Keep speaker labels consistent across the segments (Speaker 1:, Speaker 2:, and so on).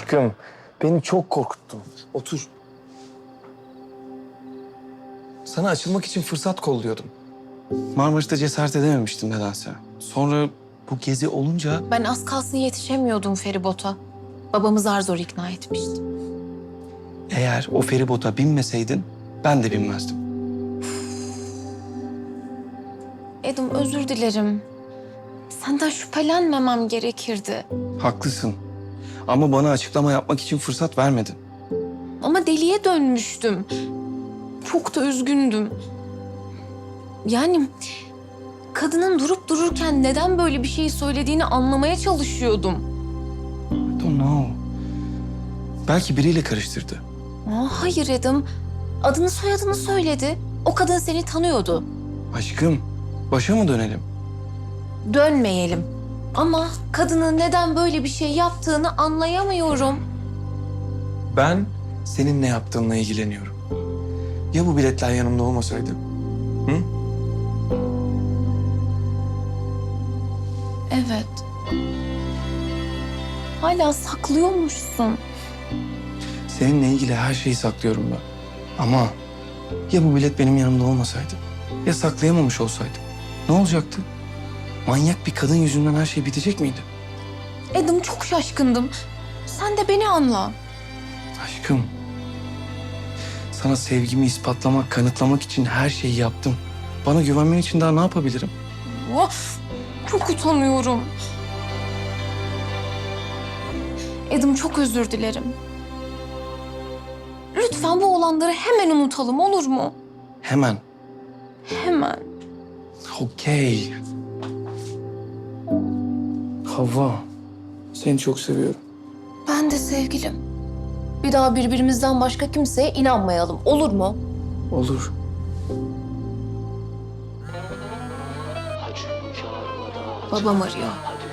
Speaker 1: Aşkım, beni çok korkuttun. Otur. Sana açılmak için fırsat kolluyordum. Marmaris'te cesaret edememiştim nedense. Sonra bu gezi olunca...
Speaker 2: Ben az kalsın yetişemiyordum feribota. Babamı zar zor ikna etmiştim.
Speaker 1: Eğer o feribota binmeseydin ben de binmezdim.
Speaker 2: Edim özür dilerim. Senden şüphelenmemem gerekirdi.
Speaker 1: Haklısın. Ama bana açıklama yapmak için fırsat vermedin.
Speaker 2: Ama deliye dönmüştüm. Çok da üzgündüm. Yani kadının durup dururken neden böyle bir şey söylediğini anlamaya çalışıyordum.
Speaker 1: I don't know. Belki biriyle karıştırdı.
Speaker 2: Hayır Edim. Adını soyadını söyledi. O kadın seni tanıyordu.
Speaker 1: Aşkım, başa mı dönelim?
Speaker 2: Dönmeyelim. Ama kadının neden böyle bir şey yaptığını anlayamıyorum.
Speaker 1: Ben senin ne yaptığınla ilgileniyorum. Ya bu biletler yanımda olmasaydı? Hı?
Speaker 2: Evet. Hala saklıyormuşsun.
Speaker 1: Seninle ilgili her şeyi saklıyorum ben. Ama ya bu bilet benim yanımda olmasaydı? Ya saklayamamış olsaydım? Ne olacaktı? Manyak bir kadın yüzünden her şey bitecek miydi?
Speaker 2: Edim çok şaşkındım. Sen de beni anla.
Speaker 1: Aşkım, sana sevgimi ispatlamak, kanıtlamak için her şeyi yaptım. Bana güvenmen için daha ne yapabilirim?
Speaker 2: Of, çok utanıyorum. Edim çok özür dilerim. Lütfen bu olanları hemen unutalım olur mu?
Speaker 1: Hemen.
Speaker 2: Hemen.
Speaker 1: Okey. Havva, seni çok seviyorum.
Speaker 2: Ben de sevgilim. Bir daha birbirimizden başka kimseye inanmayalım olur mu?
Speaker 1: Olur.
Speaker 2: Babam arıyor.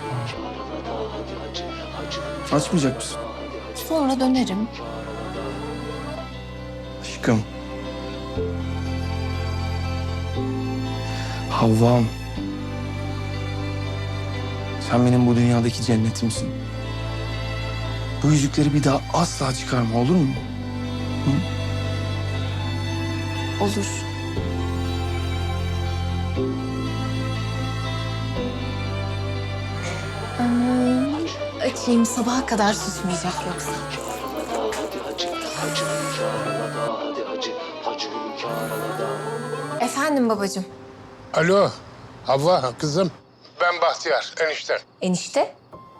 Speaker 1: Açmayacak mısın?
Speaker 2: Sonra dönerim.
Speaker 1: Aşkım. Havvam. Sen benim bu dünyadaki cennetimsin. Bu yüzükleri bir daha asla çıkarma olur mu? Hı?
Speaker 2: Olur. Açayım sabaha kadar susmayacak yoksa. Efendim babacığım.
Speaker 3: Alo, Havva kızım. Ben Bahtiyar, enişten.
Speaker 2: Enişte?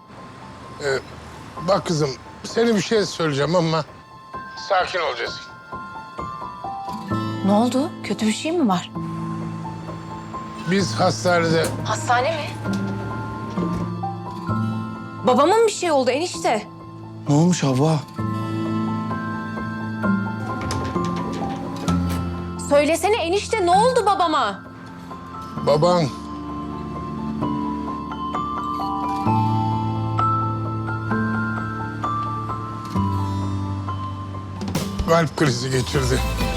Speaker 3: Bak kızım, seni bir şey söyleyeceğim ama sakin olacaksın.
Speaker 2: Ne oldu? Kötü bir şey mi var?
Speaker 3: Biz hastanede
Speaker 2: Hastane mi? Babamın bir şey oldu enişte.
Speaker 1: Ne olmuş Havva?
Speaker 2: Söylesene enişte ne oldu babama?
Speaker 3: baban kalp krizi geçirdi.